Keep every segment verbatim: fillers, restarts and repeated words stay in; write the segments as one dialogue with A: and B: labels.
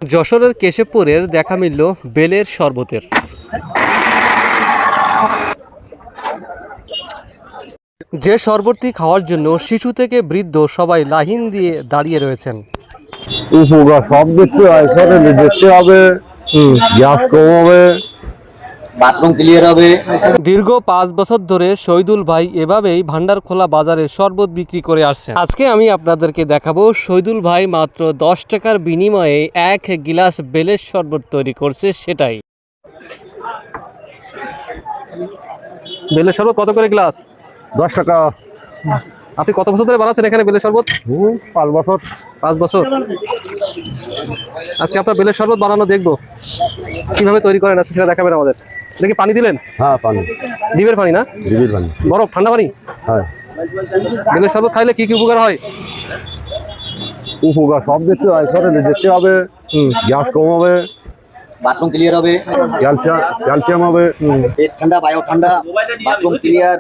A: যশোরের কেশবপুরের দেখা মিলল বেলের শরবতের। যে শরবতটি খাওয়ার জন্য শিশু থেকে বৃদ্ধ সবাই লাইন দিয়ে দাঁড়িয়ে রয়েছেন।
B: উপকার সব দেখতে হয়, শরীরে দেখতে হবে, গ্যাস কম হবে, বাথরুম ক্লিয়ার হবে।
A: দীর্ঘ পাঁচ বছর ধরে শহীদুল ভাই এভাবেই ভান্ডারখোলা বাজারে শরবত বিক্রি করে আসছেন। আজকে আমি আপনাদেরকে দেখাবো শহীদুল ভাই মাত্র দশ টাকার বিনিময়ে এক গিলাস বেলের শরবত তৈরি করছে সেটাই। বেলের শরবত কত করে গ্লাস?
B: দশ টাকা।
A: আপনি কত বছর ধরে বানাচ্ছেন এখানে বেলের শরবত?
B: পাঁচ বছর।
A: পাঁচ বছর। আজকে আপনার বেলের শরবত বানানো দেখবো, কিভাবে তৈরি করেন আজকে সেটা দেখাবেন আমাদের। দেখি পানি দিলেন?
B: হ্যাঁ পানি,
A: ডিমের পানি না?
B: ডিমের পানি।
A: বরফ, ঠান্ডা পানি?
B: হ্যাঁ।
A: বেলের শরবত খাইলে কি কি উপকার হয়?
B: উপকার সব দেখতে হয়, শরীরে দেখতে হবে, গ্যাস কম হবে,
C: বাথরুম ক্লিয়ার হবে,
B: ক্যালসিয়াম ক্যালসিয়াম হবে,
C: পেট ঠান্ডা, বায়ু ঠান্ডা, বাথরুম ক্লিয়ার।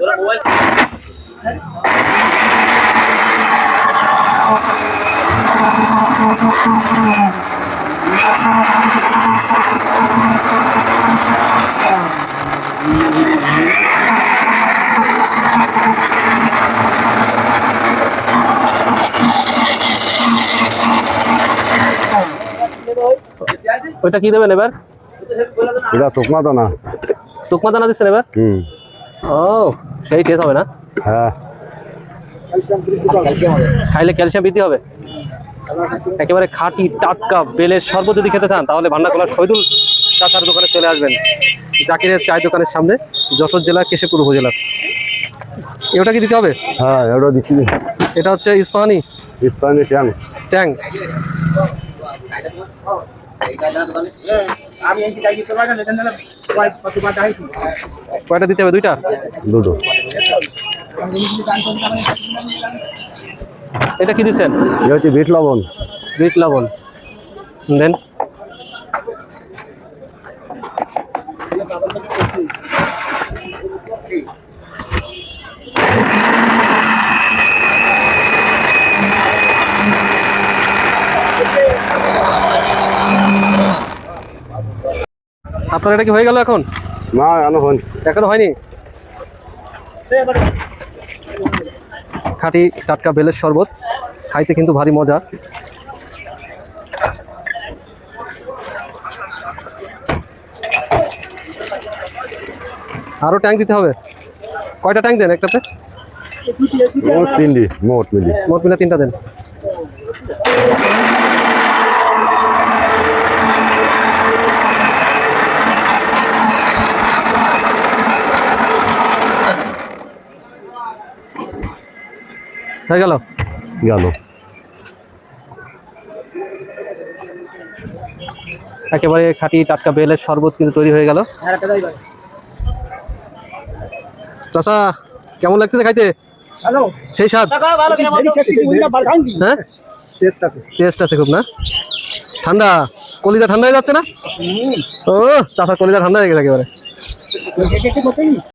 A: ওইটা কি দেবেন এবার?
B: এটা তোকমা দানা।
A: তুকমা দানা দিচ্ছেন এবার?
B: হুম।
A: ও, সেই টেস্ট হবে না?
B: হ্যাঁ।
A: খাইলে ক্যালসিয়াম বৃদ্ধি হবে। একেবারে খাঁটি টাটকা বেলের শরবত যদি খেতে চান তাহলে ভান্ডারখোলার শহীদুল চাচার দোকানে চলে আসবেন, জাকিরের চায় দোকানের সামনে, যশোর জেলার কেশবপুর উপজেলার। এটা কি দিতে হবে?
B: হ্যাঁ এটা দিচ্ছি।
A: এটা হচ্ছে ইস্পাহানি
B: ইস্পাহানি ট্যাং।
A: ট্যাং। কয়টা দিতে হবে? দুইটা?
B: দুটো।
A: এটা কি দিচ্ছেন?
B: এটা হচ্ছে বিট লবণ।
A: বিট লবণ দেন। আপনার এটা কি হয়ে গেল এখন?
B: না এখনো হয়নি।
A: এখনো হয়নি। খাঁটি টাটকা বেলের শরবত খাইতে কিন্তু ভারী মজা। আরো ট্যাঙ্ক দিতে হবে। কয়টা ট্যাঙ্ক দেন একটাতে?
B: মোট তিনটি। মোট মিলি
A: মোট মিলে তিনটা দেন। হয়ে গেল?
B: গেল।
A: একেবারে খাঁটি টাটকা বেলের শরবত কিন্তু তৈরি হয়ে গেল। চাচা কেমন লাগতেছে খাইতে? সেই স্বাদ? হ্যাঁ টেস্ট আছে খুব না? ঠান্ডা কলিজা ঠান্ডা হয়ে যাচ্ছে না? ও চাচা কলিজা ঠান্ডা হয়ে গেছে একেবারে।